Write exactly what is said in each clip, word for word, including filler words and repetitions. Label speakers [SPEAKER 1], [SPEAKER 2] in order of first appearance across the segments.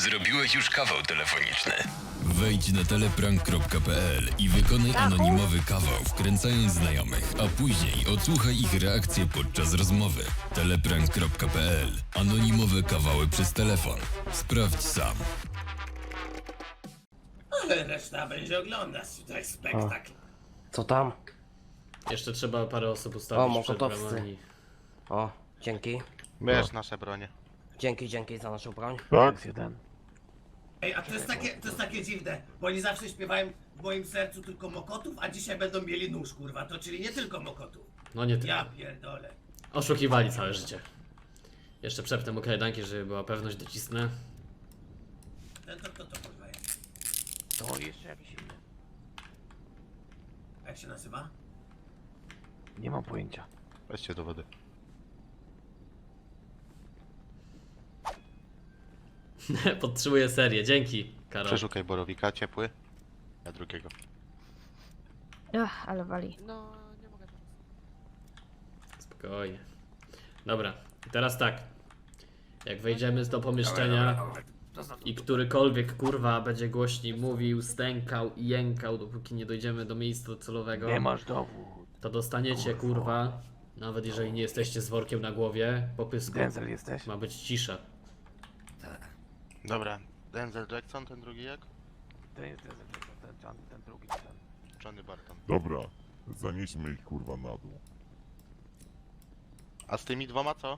[SPEAKER 1] Zrobiłeś już kawał telefoniczny.
[SPEAKER 2] Wejdź na teleprank kropka p l i wykonaj anonimowy kawał, wkręcając znajomych, a później odsłuchaj ich reakcje podczas rozmowy. teleprank kropka p l. Anonimowe kawały przez telefon. Sprawdź sam.
[SPEAKER 3] Ale reszta będzie oglądać tutaj spektakl.
[SPEAKER 4] Co tam?
[SPEAKER 5] Jeszcze trzeba parę osób
[SPEAKER 4] O,
[SPEAKER 5] ustawić przed
[SPEAKER 4] mokotowcy.
[SPEAKER 5] bramami.
[SPEAKER 4] O, dzięki.
[SPEAKER 6] Bierz nasze bronie.
[SPEAKER 4] Dzięki, dzięki za naszą broń.
[SPEAKER 7] Tak, jeden.
[SPEAKER 3] Ej, a to jest takie, to jest takie dziwne, bo oni zawsze śpiewają w moim sercu tylko mokotów, a dzisiaj będą mieli nóż, kurwa, to czyli nie tylko mokotów.
[SPEAKER 5] No nie
[SPEAKER 3] Ja
[SPEAKER 5] tylko.
[SPEAKER 3] pierdolę.
[SPEAKER 5] Oszukiwali całe życie. Jeszcze przepnę mu kajdanki, żeby była pewność, docisnę.
[SPEAKER 3] Ten to to, to kurwa jest.
[SPEAKER 7] To jeszcze jakiś inny.
[SPEAKER 3] Jak się nazywa?
[SPEAKER 7] Nie mam pojęcia.
[SPEAKER 6] Weźcie do wody.
[SPEAKER 5] Podtrzymuję serię, dzięki, Karol.
[SPEAKER 6] Przeszukaj borowika, ciepły. Ja drugiego.
[SPEAKER 8] Ach, ale wali.
[SPEAKER 5] Spokojnie. Dobra, i teraz tak. Jak wejdziemy do pomieszczenia i którykolwiek kurwa będzie głośniej mówił, stękał i jękał, dopóki nie dojdziemy do miejsca docelowego,
[SPEAKER 7] Nie masz dowód.
[SPEAKER 5] to dostaniecie kurwa, nawet jeżeli nie jesteście z workiem na głowie, po pysku.
[SPEAKER 7] Denzel jesteś?
[SPEAKER 5] Ma być cisza.
[SPEAKER 6] Dobra, Denzel Jackson, ten drugi jak?
[SPEAKER 7] To jest Denzel, ten, ten, ten drugi, ten.
[SPEAKER 6] Johnny Barton.
[SPEAKER 9] Dobra, zanieśmy ich kurwa na dół.
[SPEAKER 6] A z tymi dwoma co?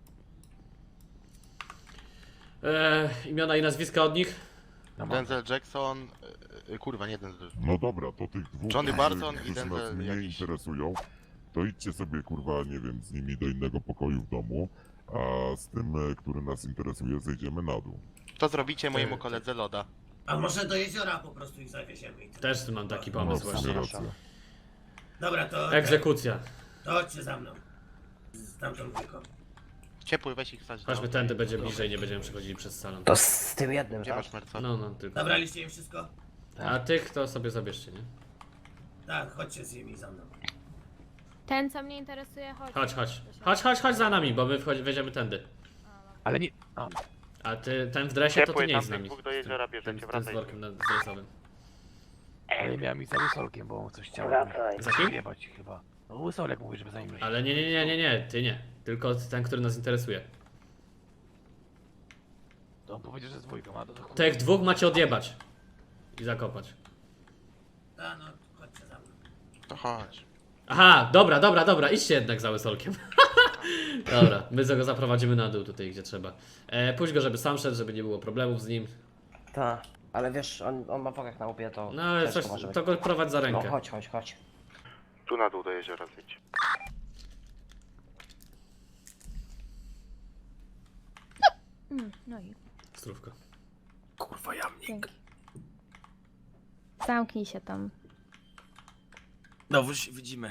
[SPEAKER 5] Eee, imiona i nazwiska od nich?
[SPEAKER 7] No,
[SPEAKER 6] Denzel Jackson... Yy, kurwa, nie Denzel.
[SPEAKER 9] No dobra, to tych dwóch,
[SPEAKER 6] Johnny
[SPEAKER 9] którzy-
[SPEAKER 6] Barton i
[SPEAKER 9] którzy nas
[SPEAKER 6] Denzel
[SPEAKER 9] mnie
[SPEAKER 6] jakiś.
[SPEAKER 9] interesują, to idźcie sobie kurwa, nie wiem, z nimi do innego pokoju w domu, a z tym, e, który nas interesuje, zejdziemy na dół.
[SPEAKER 6] To zrobicie mojemu
[SPEAKER 5] Ty- ty-
[SPEAKER 6] koledze loda.
[SPEAKER 3] A może do jeziora po prostu ich zawieziemy i tyle.
[SPEAKER 5] Też mam taki
[SPEAKER 9] No,
[SPEAKER 5] pomysł
[SPEAKER 9] w sumie
[SPEAKER 5] właśnie.
[SPEAKER 9] racja.
[SPEAKER 3] Dobra, to...
[SPEAKER 5] Egzekucja.
[SPEAKER 3] To chodźcie za mną. Z tamtą dwójką.
[SPEAKER 6] Ciepły, weź ich wsadź do
[SPEAKER 5] Chodźmy
[SPEAKER 6] auta.
[SPEAKER 5] tędy, będzie bliżej, nie będziemy przechodzili przez salon.
[SPEAKER 4] To z tym jednym,
[SPEAKER 6] Gdzie
[SPEAKER 4] tak?
[SPEAKER 6] masz merco?
[SPEAKER 5] No, no, tylko.
[SPEAKER 3] Zabraliście im wszystko?
[SPEAKER 5] A tych to sobie zabierzcie, nie?
[SPEAKER 3] Tak, chodźcie z nimi za mną.
[SPEAKER 8] Ten, co mnie interesuje, chodź.
[SPEAKER 5] Chodź, chodź. Chodź, chodź, chodź za nami, bo my wchodzi, wejdziemy tędy.
[SPEAKER 7] Ale nie... A,
[SPEAKER 5] A ty, ten w dresie, to ty
[SPEAKER 6] Ciepły,
[SPEAKER 5] nie jest z
[SPEAKER 6] tamtych
[SPEAKER 5] nami.
[SPEAKER 6] dwóch do jeziora
[SPEAKER 5] Ten,
[SPEAKER 6] bierzecie,
[SPEAKER 5] ten z
[SPEAKER 6] wracaj.
[SPEAKER 5] workiem na- dresowym.
[SPEAKER 7] ale miałem i za łysolkiem, bo coś chciał
[SPEAKER 4] Wracaj.
[SPEAKER 5] Za kim?
[SPEAKER 7] jebać chyba. No łysolek mówi, żeby za nim
[SPEAKER 5] Ale nie, nie, nie, nie, nie, ty nie. Tylko ten, który nas interesuje.
[SPEAKER 7] To on powiedział, że z dwójką, a to... to
[SPEAKER 5] Tych dwóch macie odjebać. I zakopać.
[SPEAKER 3] A no, chodźcie za mną.
[SPEAKER 6] To chodź.
[SPEAKER 5] Aha, dobra, dobra, dobra, idźcie jednak za łysolkiem. Dobra, my go zaprowadzimy na dół tutaj, gdzie trzeba. E, puść go, żeby sam szedł, żeby nie było problemów z nim.
[SPEAKER 4] Tak, ale wiesz, on, on ma worek na łbie, to
[SPEAKER 5] No ale
[SPEAKER 4] ciężko
[SPEAKER 5] coś,
[SPEAKER 4] może być.
[SPEAKER 5] to go prowadź za
[SPEAKER 4] No
[SPEAKER 5] rękę.
[SPEAKER 4] chodź, chodź, chodź.
[SPEAKER 6] Tu na dół do jeziora zjedź.
[SPEAKER 8] Mm, no i
[SPEAKER 5] Strówko.
[SPEAKER 7] Kurwa, jamnik.
[SPEAKER 8] dzięki. Zamknij się tam.
[SPEAKER 10] No już widzimy.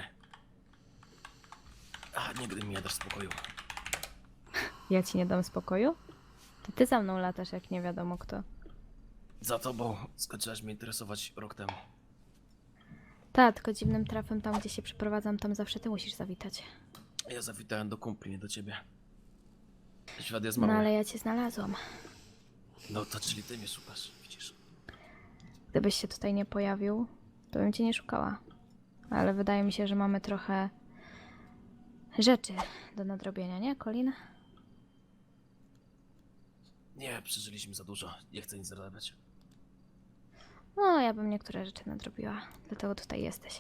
[SPEAKER 10] A, nigdy mi nie dasz spokoju.
[SPEAKER 8] Ja ci nie dam spokoju? To ty za mną latasz, jak nie wiadomo kto.
[SPEAKER 10] Za tobą skończyłaś mnie interesować rok temu.
[SPEAKER 8] Tak, tylko dziwnym trafem tam, gdzie się przeprowadzam, tam zawsze ty musisz zawitać.
[SPEAKER 10] Ja zawitałem do kumpli, nie do ciebie. Świat jest
[SPEAKER 8] No
[SPEAKER 10] mały.
[SPEAKER 8] ale ja cię znalazłam.
[SPEAKER 10] No to czyli ty mnie szukasz, widzisz.
[SPEAKER 8] Gdybyś się tutaj nie pojawił, to bym cię nie szukała. Ale wydaje mi się, że mamy trochę rzeczy do nadrobienia, nie, Colin?
[SPEAKER 10] Nie, przeżyliśmy za dużo. Nie chcę nic zarabiać.
[SPEAKER 8] No, ja bym niektóre rzeczy nadrobiła. Dlatego tutaj jesteś.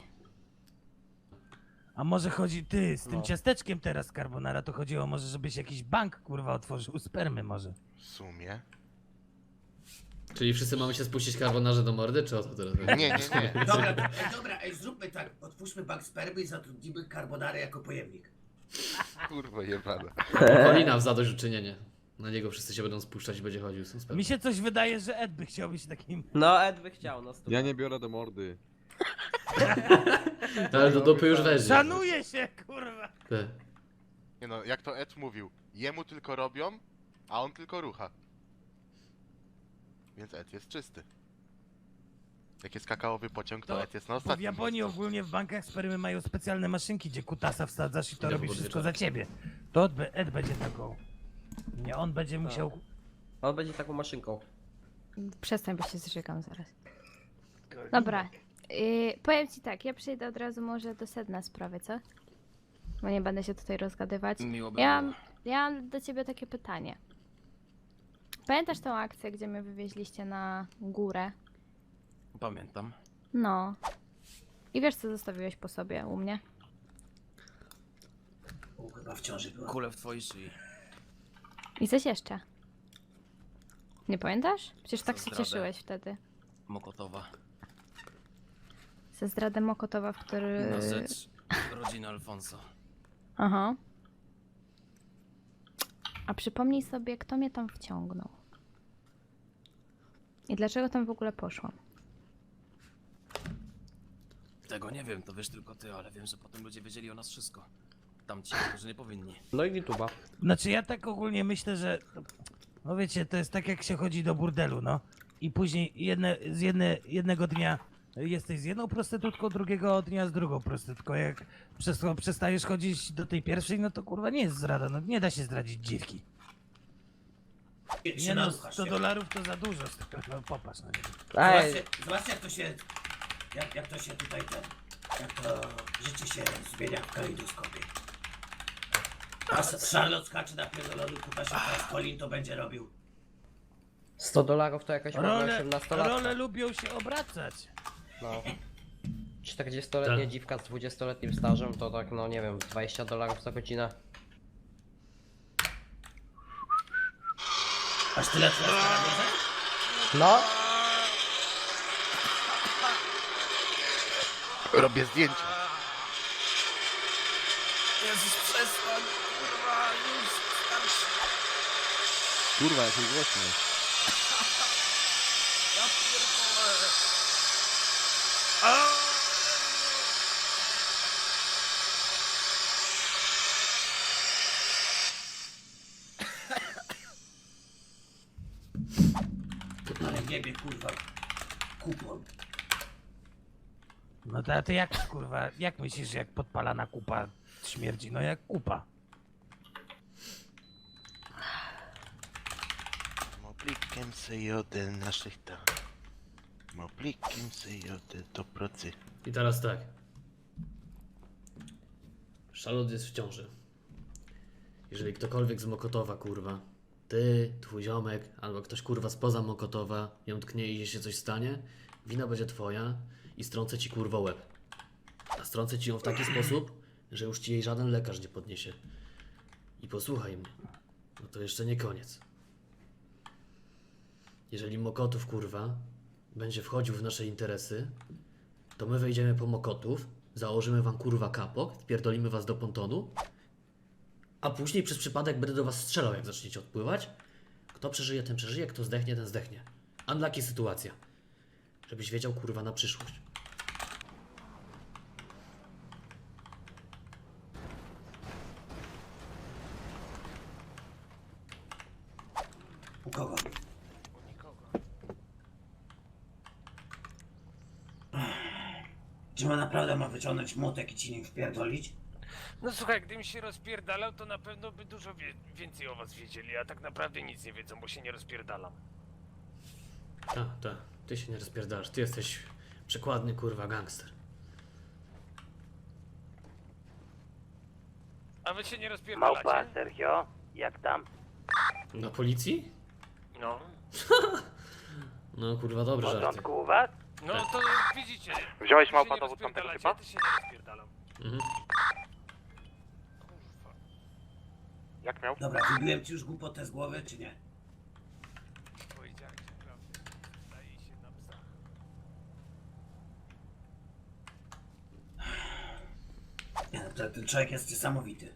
[SPEAKER 11] A może chodzi ty z tym
[SPEAKER 4] No.
[SPEAKER 11] ciasteczkiem teraz carbonara, to chodziło może, żebyś jakiś bank kurwa otworzył spermy może.
[SPEAKER 6] W sumie?
[SPEAKER 5] Czyli wszyscy mamy się spuścić karbonarze do mordy, czy o co teraz chodzi?
[SPEAKER 6] Nie, nie, nie.
[SPEAKER 3] Dobra, to, ej, dobra, ej, zróbmy tak. Otwórzmy bank spermy i zatrudnimy carbonarę jako pojemnik.
[SPEAKER 6] Kurwa jebana.
[SPEAKER 5] Polina w zadośćuczynienie. Na niego wszyscy się będą spuszczać i będzie chodził. Są spełni.
[SPEAKER 11] Mi się coś wydaje, że Ed by chciał być takim...
[SPEAKER 4] No, Ed by chciał, no
[SPEAKER 12] Ja nie biorę do mordy.
[SPEAKER 5] No, ale do dupy już weźmie.
[SPEAKER 11] Szanuje się kurwa!
[SPEAKER 5] Ty.
[SPEAKER 6] Nie no, jak to Ed mówił, jemu tylko robią, a on tylko rucha. Więc Ed jest czysty. Jak jest kakaowy pociąg, to
[SPEAKER 11] To-
[SPEAKER 6] Ed jest na
[SPEAKER 11] Bo
[SPEAKER 6] ostatnim.
[SPEAKER 11] w Japonii ogólnie w bankach spermy mają specjalne maszynki, gdzie kutasa wsadzasz i to
[SPEAKER 5] Idę
[SPEAKER 11] robi
[SPEAKER 5] po
[SPEAKER 11] wszystko
[SPEAKER 5] podwieczorku.
[SPEAKER 11] za ciebie. To Ed, be- Ed będzie taką... Nie, on będzie musiał...
[SPEAKER 4] On będzie taką maszynką.
[SPEAKER 8] Przestań, bo się zżygam zaraz. Dobra, yy, powiem ci tak, ja przejdę od razu może do sedna sprawy, co? Bo nie będę się tutaj rozgadywać.
[SPEAKER 10] Miło by
[SPEAKER 8] Ja,
[SPEAKER 10] było.
[SPEAKER 8] ja mam do ciebie takie pytanie. Pamiętasz tą akcję, gdzie mnie wywieźliście na górę?
[SPEAKER 10] Pamiętam.
[SPEAKER 8] No. I wiesz, co zostawiłeś po sobie u mnie?
[SPEAKER 3] U, chyba w ciąży była.
[SPEAKER 10] Kule w twojej szyi.
[SPEAKER 8] I coś jeszcze. Nie pamiętasz? Przecież tak
[SPEAKER 10] Za
[SPEAKER 8] się
[SPEAKER 10] zdradę.
[SPEAKER 8] cieszyłeś wtedy.
[SPEAKER 10] Mokotowa.
[SPEAKER 8] Ze zdradę Mokotowa, w który...
[SPEAKER 10] Na rzecz rodziny Alfonso.
[SPEAKER 8] Aha. A przypomnij sobie, kto mnie tam wciągnął. I dlaczego tam w ogóle poszłam.
[SPEAKER 10] Tego nie wiem, to wiesz tylko ty, ale wiem, że potem ludzie wiedzieli o nas wszystko. Tamci, którzy nie powinni.
[SPEAKER 4] No i YouTube'a.
[SPEAKER 11] Znaczy ja tak ogólnie myślę, że... No wiecie, to jest tak jak się chodzi do burdelu, no. I później jedne, z jedne, jednego dnia jesteś z jedną prostytutką, drugiego dnia z drugą prostytutką. Jak przez to przestajesz chodzić do tej pierwszej, no to kurwa nie jest zdrada, no nie da się zdradzić dziwki.
[SPEAKER 3] Nie,
[SPEAKER 11] Nie
[SPEAKER 3] się
[SPEAKER 11] no,
[SPEAKER 3] naruchasz,
[SPEAKER 11] sto
[SPEAKER 3] nie?
[SPEAKER 11] dolarów to za dużo, no popatrz na niego.
[SPEAKER 4] Ej,
[SPEAKER 3] Zobaczcie, zobaczcie jak to się... Jak, jak to się tutaj ten... Jak to życie się zmienia w kalejdoskopie. A S- Charlotte skacze na pierdolony kupa się teraz Colin to będzie robił.
[SPEAKER 4] sto dolarów to jakaś ładna
[SPEAKER 11] Role,
[SPEAKER 4] osiemnastolatka.
[SPEAKER 11] role lubią się obracać.
[SPEAKER 4] No. czterdziestoletnia
[SPEAKER 5] Tak.
[SPEAKER 4] dziwka z dwudziestoletnim stażem to tak, no nie wiem, dwadzieścia dolarów za godzinę.
[SPEAKER 3] Aż tyle tyle na bierze?
[SPEAKER 4] No,
[SPEAKER 6] Robię zdjęcia.
[SPEAKER 10] Jezus, przestań, kurwa, już starszy.
[SPEAKER 6] Kurwa, jak głośno.
[SPEAKER 10] Ja pierdolę.
[SPEAKER 3] Ale niebie kurwa. Kupon.
[SPEAKER 11] No to, to jak kurwa, jak myślisz, jak podpalana kupa śmierdzi? No jak kupa.
[SPEAKER 6] Moplikiem se jodę na szychta. Moplikiem se jodę do pracy.
[SPEAKER 5] I teraz tak. Charlotte jest w ciąży. Jeżeli ktokolwiek z Mokotowa, kurwa, ty, twój ziomek, albo ktoś kurwa spoza Mokotowa ją tknie i jej się coś stanie, wina będzie twoja i strącę ci kurwa łeb. A strącę ci ją w taki sposób, że już ci jej żaden lekarz nie podniesie. I posłuchaj mnie, no to jeszcze nie koniec. Jeżeli Mokotów, kurwa, będzie wchodził w nasze interesy, to my wejdziemy po Mokotów, założymy wam kurwa kapok, wpierdolimy was do pontonu, a później przez przypadek będę do was strzelał, jak zaczniecie odpływać. Kto przeżyje, ten przeżyje, kto zdechnie, ten zdechnie. Unlucky sytuacja. Żebyś wiedział, kurwa, na przyszłość.
[SPEAKER 3] U kogo? Czy ma naprawdę ma wyciągnąć młotek i ci nim wpierdolić?
[SPEAKER 7] No słuchaj, gdybym się rozpierdalał, to na pewno by dużo wie więcej o was wiedzieli, a tak naprawdę nic nie wiedzą, bo się nie rozpierdalam.
[SPEAKER 5] Tak, tak. Ty się nie rozpierdalasz. Ty jesteś przekładny, kurwa, gangster.
[SPEAKER 7] A wy się nie rozpierdalacie?
[SPEAKER 11] Sergio, jak tam?
[SPEAKER 5] Na policji?
[SPEAKER 7] No.
[SPEAKER 5] No, kurwa, dobre żarty.
[SPEAKER 11] u was?
[SPEAKER 7] No to widzicie.
[SPEAKER 6] Wziąłeś
[SPEAKER 7] wy się
[SPEAKER 6] małpa
[SPEAKER 7] nie
[SPEAKER 6] dowód tamtego
[SPEAKER 7] rozpierdalacie,
[SPEAKER 6] typa?
[SPEAKER 7] ja też się nie rozpierdalam.
[SPEAKER 5] Mhm.
[SPEAKER 7] Kurwa.
[SPEAKER 6] Jak miał?
[SPEAKER 3] Dobra, wybiłem ci już głupotę z głowy, czy nie?
[SPEAKER 7] Powiedziałeś prawdę. Zdaje się na psa.
[SPEAKER 3] Nie, no, to, ten człowiek jest niesamowity.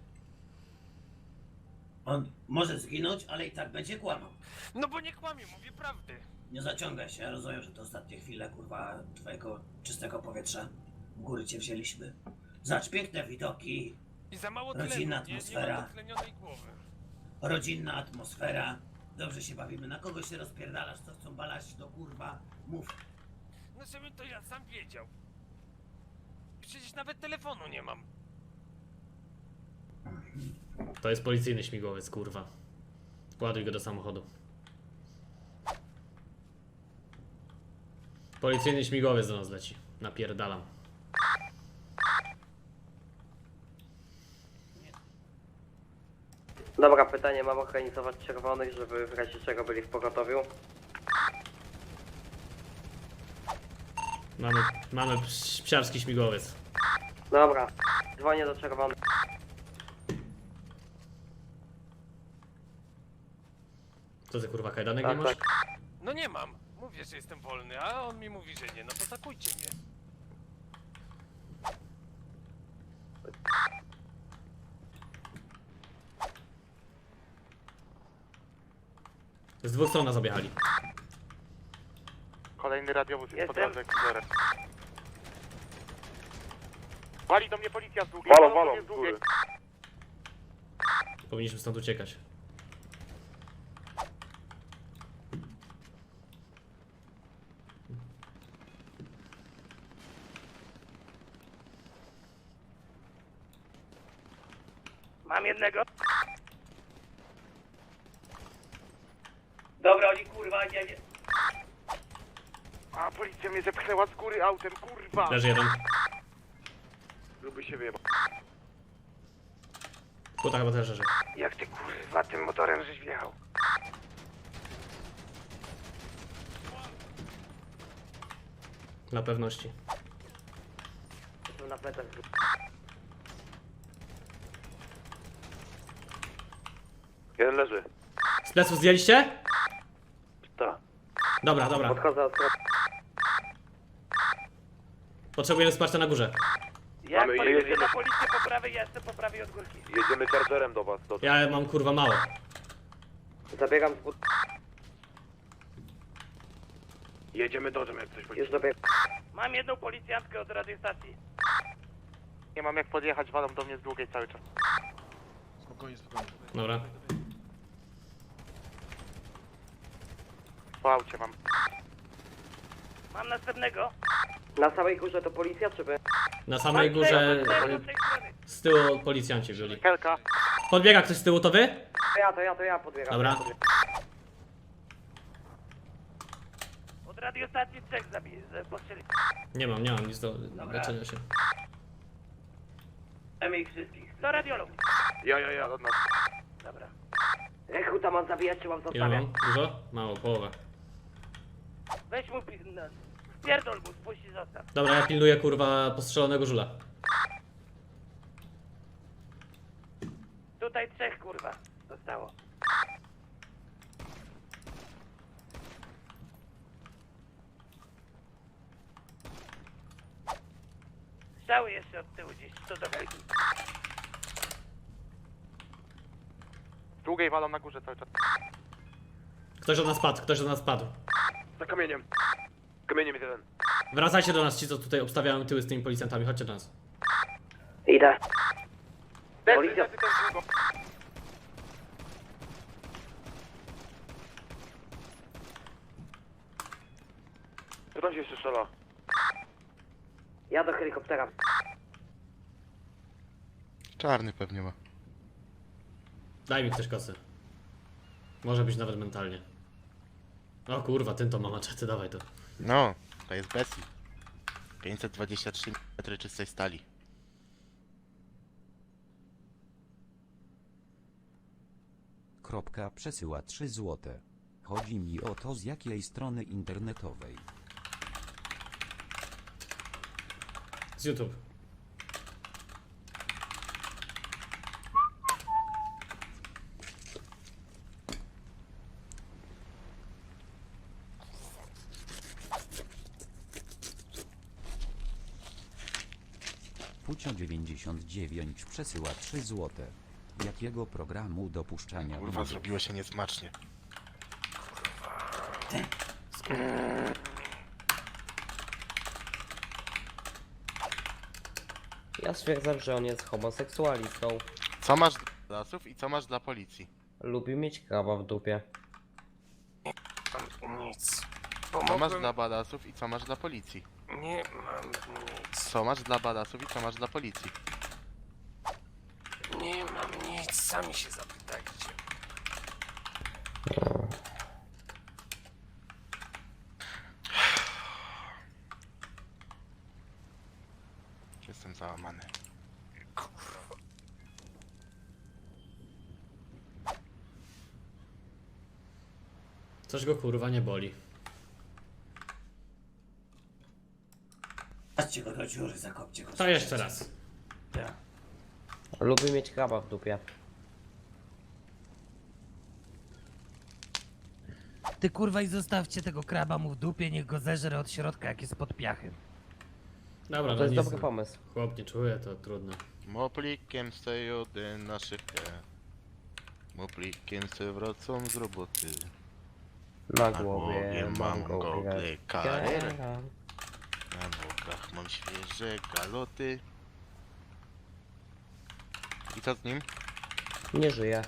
[SPEAKER 3] On może zginąć, ale i tak będzie kłamał.
[SPEAKER 7] No bo nie kłamię, mówię prawdę.
[SPEAKER 3] Nie zaciągaj się, ja rozumiem, że to ostatnie chwile, kurwa, twojego czystego powietrza. W góry cię wzięliśmy. Zacz piękne widoki,
[SPEAKER 7] I za mało
[SPEAKER 3] Rodzinna
[SPEAKER 7] tlenu, nie, nie
[SPEAKER 3] atmosfera.
[SPEAKER 7] mam dotlenionej głowy.
[SPEAKER 3] rodzinna atmosfera. Dobrze się bawimy, na kogo się rozpierdalasz, co chcą balać do kurwa, mów.
[SPEAKER 7] No żebym to ja sam wiedział. Przecież nawet telefonu nie mam.
[SPEAKER 5] To jest policyjny śmigłowiec, kurwa. Ładuj go do samochodu. Policyjny śmigłowiec do nas leci. Napierdalam.
[SPEAKER 4] Dobra, pytanie, mam organizować czerwonych, żeby w razie czego byli w pogotowiu.
[SPEAKER 5] Mamy, mamy ps- psiarski śmigłowiec.
[SPEAKER 4] Dobra, dzwonię do czerwonych.
[SPEAKER 5] Co ty kurwa kajdanek
[SPEAKER 4] Tak,
[SPEAKER 5] nie masz?
[SPEAKER 7] No nie mam. Mówię, że jestem wolny, a on mi mówi, że nie. No to zakujcie mnie.
[SPEAKER 5] Z dwóch stron nas objechali.
[SPEAKER 6] Kolejny radiowóz jest po
[SPEAKER 4] Jestem.
[SPEAKER 6] drodze, Kuzorem. Wali do mnie policja z długiej. Walą, walą, z długiej.
[SPEAKER 5] Powinniśmy stąd uciekać.
[SPEAKER 3] Mam jednego. Dobra, oni kurwa nie, nie.
[SPEAKER 6] A policja mnie zepchnęła z góry autem, kurwa!
[SPEAKER 5] Leży jeden.
[SPEAKER 6] Lubi się wyjebać.
[SPEAKER 5] Kuta chyba też leży.
[SPEAKER 3] Jak ty kurwa tym motorem żeś wjechał?
[SPEAKER 5] Dla pewności.
[SPEAKER 4] Jestem na plecach.
[SPEAKER 6] Jeden leży.
[SPEAKER 5] Z pleców zdjęliście?
[SPEAKER 6] Tak.
[SPEAKER 5] Dobra, dobra.
[SPEAKER 4] Podchodzę od strony.
[SPEAKER 5] Potrzebujemy wsparcia na górze.
[SPEAKER 3] Jak
[SPEAKER 6] Mamy-
[SPEAKER 3] pan
[SPEAKER 6] jedziemy.
[SPEAKER 3] jedzie na policję po prawej, ja jestem po prawej od górki.
[SPEAKER 6] Jedziemy chargerem do was. Do...
[SPEAKER 5] Ja mam kurwa mało.
[SPEAKER 4] Zabiegam z but...
[SPEAKER 6] Jedziemy dodżem jak coś
[SPEAKER 4] Już dobiegam.
[SPEAKER 3] Mam jedną policjantkę od radiostacji.
[SPEAKER 6] Nie mam jak podjechać, walą do mnie z długiej cały czas.
[SPEAKER 5] Dobra.
[SPEAKER 6] Po aucie mam.
[SPEAKER 3] Mam następnego.
[SPEAKER 4] Na samej górze to policja, czy by?
[SPEAKER 5] Na samej
[SPEAKER 3] Mam
[SPEAKER 5] górze
[SPEAKER 3] tego, tego,
[SPEAKER 5] y,
[SPEAKER 3] z tej strony.
[SPEAKER 5] z tyłu policjanci byli.
[SPEAKER 6] Helka.
[SPEAKER 5] Podbiega ktoś z tyłu, to wy?
[SPEAKER 4] To ja, to ja, to ja podbiegam.
[SPEAKER 5] Dobra.
[SPEAKER 4] Ja podbiegam.
[SPEAKER 3] Od radiostacji trzech zabij, postrzeli.
[SPEAKER 5] Nie mam, nie mam nic do leczenia się.
[SPEAKER 3] Mamy ich wszystkich. Do radiolog.
[SPEAKER 6] Ja, ja, ja. Od nas.
[SPEAKER 3] Dobra.
[SPEAKER 4] Rekruta mam zabijać, czy mam
[SPEAKER 5] Ile
[SPEAKER 4] zostawiać?
[SPEAKER 5] mam? Dużo? Mało, połowę.
[SPEAKER 3] Weź mu pi... No. Spierdol mu, spuść i zostaw.
[SPEAKER 5] Dobra, ja pilnuję kurwa postrzelonego żula.
[SPEAKER 3] Tutaj trzech kurwa zostało. Strzały jeszcze od tyłu gdzieś, co do helki.
[SPEAKER 6] Z długiej walą na górze cały czas.
[SPEAKER 5] Ktoś od nas padł, ktoś od nas padł.
[SPEAKER 6] Za kamieniem. Kamieniem jest jeden.
[SPEAKER 5] Wracajcie do nas ci, co tutaj obstawiają tyły z tymi policjantami, chodźcie do nas.
[SPEAKER 4] Idę.
[SPEAKER 6] Policja. Co tam się jeszcze strzela?
[SPEAKER 4] Ja do helikoptera.
[SPEAKER 6] Czarny pewnie ma.
[SPEAKER 5] Daj mi ktoś kosy. Może być nawet mentalnie. O kurwa, ten to ma maczety, dawaj to.
[SPEAKER 6] No, to jest Bessie. pięćset dwadzieścia trzy milimetry czystej stali.
[SPEAKER 12] Kropka przesyła trzy złote. Chodzi mi o to, z jakiej strony internetowej.
[SPEAKER 5] Z YouTube.
[SPEAKER 12] Pucio dziewięćdziesiąt dziewięć przesyła trzy złote. Jakiego programu dopuszczania
[SPEAKER 6] Kurwa,
[SPEAKER 12] błędów?
[SPEAKER 6] zrobiło się niesmacznie.
[SPEAKER 4] Ja stwierdzam, że on jest homoseksualistą.
[SPEAKER 6] Co masz dla lasów i co masz dla policji?
[SPEAKER 4] Lubi mieć krawa w dupie.
[SPEAKER 7] Nic.
[SPEAKER 6] Co masz
[SPEAKER 7] Pomogłem...
[SPEAKER 6] dla badasów i co masz dla policji?
[SPEAKER 7] Nie mam nic.
[SPEAKER 6] Co masz dla badasów i co masz dla policji?
[SPEAKER 7] Nie mam nic. Sami się zapytajcie.
[SPEAKER 6] Jestem załamany.
[SPEAKER 5] Coś go kurwa nie boli.
[SPEAKER 3] Patrzcie go do dziury, zakopcie go.
[SPEAKER 5] To jeszcze raz.
[SPEAKER 3] Tak.
[SPEAKER 4] Lubi mieć kraba w dupie.
[SPEAKER 11] Ty kurwa i zostawcie tego kraba mu w dupie, niech go zeżre od środka, jak jest pod piachem.
[SPEAKER 5] Dobra,
[SPEAKER 4] To
[SPEAKER 5] no
[SPEAKER 4] jest
[SPEAKER 5] nic.
[SPEAKER 4] dobry pomysł.
[SPEAKER 5] Chłop nie czuje, to trudno.
[SPEAKER 6] Moplikiem se jody na szychę. Moplikiem se wracam z roboty.
[SPEAKER 4] Na
[SPEAKER 6] Na
[SPEAKER 4] głowie
[SPEAKER 6] głowie
[SPEAKER 4] mam
[SPEAKER 6] mam
[SPEAKER 4] gogle
[SPEAKER 6] gogle Carrera.
[SPEAKER 4] Carrera.
[SPEAKER 6] Na nogach mam świeże galoty. I co z nim?
[SPEAKER 4] Nie żyje.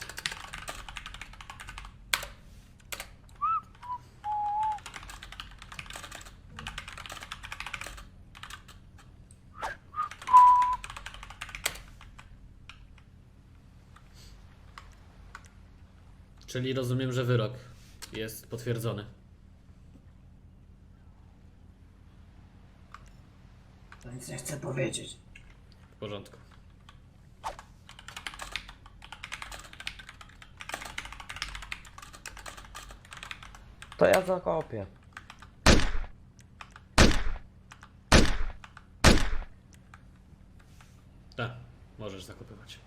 [SPEAKER 5] Czyli rozumiem, że wyrok jest potwierdzony.
[SPEAKER 3] To nic nie chcę powiedzieć.
[SPEAKER 5] W porządku.
[SPEAKER 4] To ja zakopię.
[SPEAKER 5] Tak, możesz zakopywać.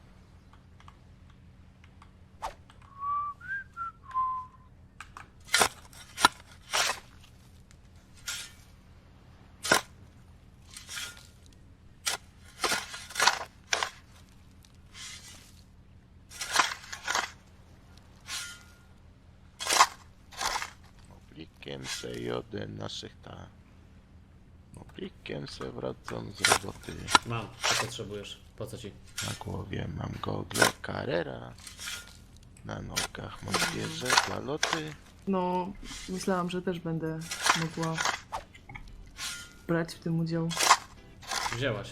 [SPEAKER 6] Moplikiem se jody na szychę. Moplikiem se wracam z roboty.
[SPEAKER 5] Mam, co potrzebujesz? Po co ci?
[SPEAKER 6] Na głowie mam gogle Carrera. Na nogach mam świeże galoty.
[SPEAKER 13] No, myślałam, że też będę mogła brać w tym udział.
[SPEAKER 5] Wzięłaś.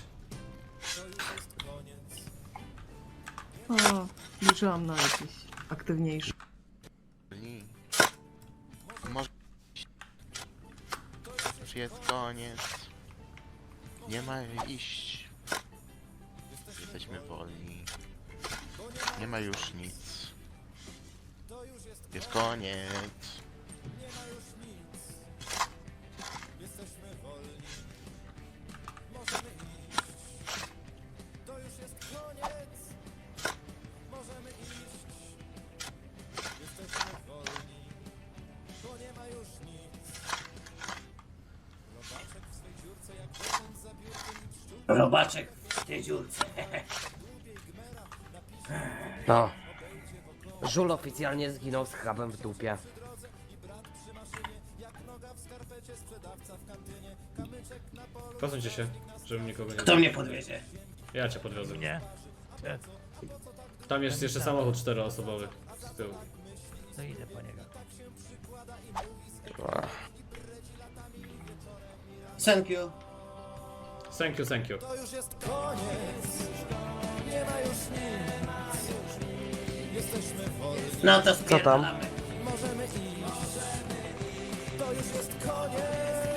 [SPEAKER 13] O, liczyłam na jakiś aktywniejszy.
[SPEAKER 6] Może już jest koniec. Nie ma iść. Jesteśmy wolni. Nie ma już nic. Jest koniec.
[SPEAKER 3] Robaczek w tej dziurce.
[SPEAKER 4] No. Żul oficjalnie zginął z krabem w dupie.
[SPEAKER 5] Posuńcie się, żebym nikogo nie...
[SPEAKER 3] Kto mnie podwiezie?
[SPEAKER 5] Ja cię podwiozę.
[SPEAKER 11] Nie?
[SPEAKER 5] Tam jest jeszcze samochód czteroosobowy z tyłu.
[SPEAKER 11] To idę po niego.
[SPEAKER 3] Thank you.
[SPEAKER 5] Thank you, thank you.
[SPEAKER 3] No to
[SPEAKER 4] Co tam?
[SPEAKER 3] spierdalamy.
[SPEAKER 11] To już jest koniec.